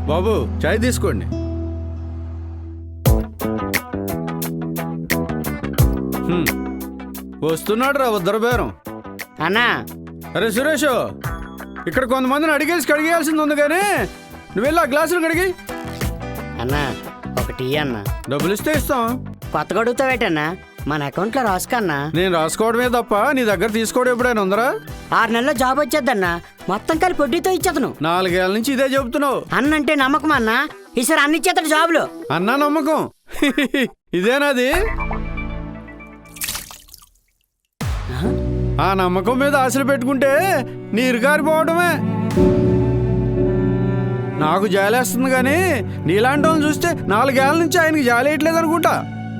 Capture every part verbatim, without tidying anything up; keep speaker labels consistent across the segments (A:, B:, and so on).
A: బాబు చాయ్ తీసుకోండి. హ్మ్. వస్తున్నాడు రా ఉద్దరు బేరం.
B: అన్నా
A: అరే సురేష్, ఇక్కడ కొంతమందిని అడిగేసి కడిగేయాల్సింది ఉంది కానీ నువ్వు వెళ్ళి ఆ గ్లాసులు కడిగి.
B: అన్నా ఒకటి అన్న.
A: డబ్బులు ఇస్తే ఇస్తాం.
B: కొత్తగా అడుగుతావేటన్నా? మన అకౌంట్లో రాసుకన్నా.
A: నేను రాసుకోవడమే తప్ప నీ దగ్గర తీసుకోవడం ఎప్పుడైనా ఉందరా?
B: ఆరు నెలల్లో జాబ్ వచ్చేద్దన్నా, మొత్తం కలిపి వడ్డీతో ఇచ్చేతను.
A: నాలుగేళ్ల నుంచి ఇదే చెబుతున్నావు.
B: అన్నంటే నమ్మకం అన్నా, ఈసారి అన్ని ఇచ్చేతడు జాబులు.
A: అన్నా నమ్మకం ఇదేనాది? ఆ నమ్మకం మీద ఆశలు పెట్టుకుంటే నీరు గారిపోవడమే. నాకు జాలేస్తుంది కానీ నీలాంటి వాళ్ళని చూస్తే నాలుగేళ్ల నుంచి ఆయనకి జాలేయట్లేదు అనుకుంటా.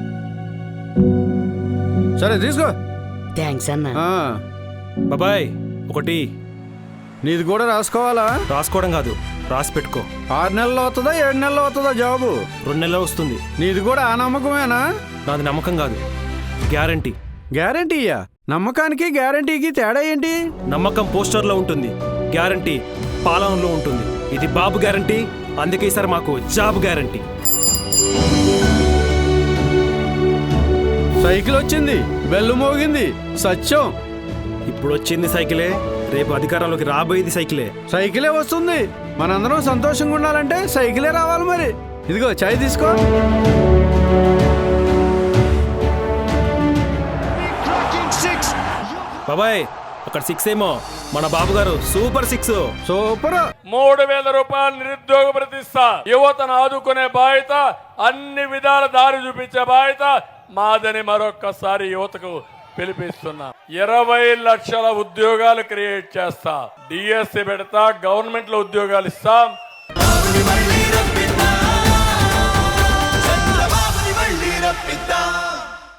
A: సరే తీసుకో.
B: థ్యాంక్స్ అన్నా.
C: బాబాయ్ ఒకటి.
A: నీది కూడా రాసుకోవాలా?
C: రాసుకోవడం కాదు, రాసి పెట్టుకో.
A: ఆరు నెలలు అవుతుందా ఏడు నెలలు అవుతుందా జాబు?
C: రెండు నెలలు వస్తుంది.
A: నీది కూడా ఆ నమ్మకమేనా?
C: నాది నమ్మకం కాదు, గ్యారంటీ.
A: గ్యారంటీయా? నమ్మకానికి గ్యారంటీకి తేడా ఏంటి?
C: నమ్మకం పోస్టర్లో ఉంటుంది, గ్యారంటీ పాలనలో ఉంటుంది. ఇది బాబు గ్యారంటీ, అందుకే ఈసారి మాకు జాబ్ గ్యారంటీ.
A: సైకిల్ వచ్చింది, బెల్లు మోగింది, సత్యం.
C: ఇప్పుడు వచ్చింది సైకిలే, రేపు అధికారంలోకి రాబోయేది సైకిలే.
A: సైకిలే వస్తుంది. మనందరం సంతోషంగా ఉండాలంటే సైకిలే రావాలి. మరి ఇదిగో చాయ్ తీసుకో.
C: బాబాయ్ అక్కడ సిక్స్ ఏమో, మన బాబు గారు సూపర్ సిక్స్.
A: సూపర్.
D: మూడు వేల రూపాయలు నిరుద్యోగ ప్రతిష్ట. యువతను ఆదుకునే బాధ్యత, అన్ని విధాల దారి చూపించే బాధ్యత మాదని మరొక్కసారి యువతకు పిలిపిస్తున్నా. ఇరవై లక్షల ఉద్యోగాలు క్రియేట్ చేస్తా. డిఎస్సి పెడతా, గవర్నమెంట్ లో ఉద్యోగాలు ఇస్తాం.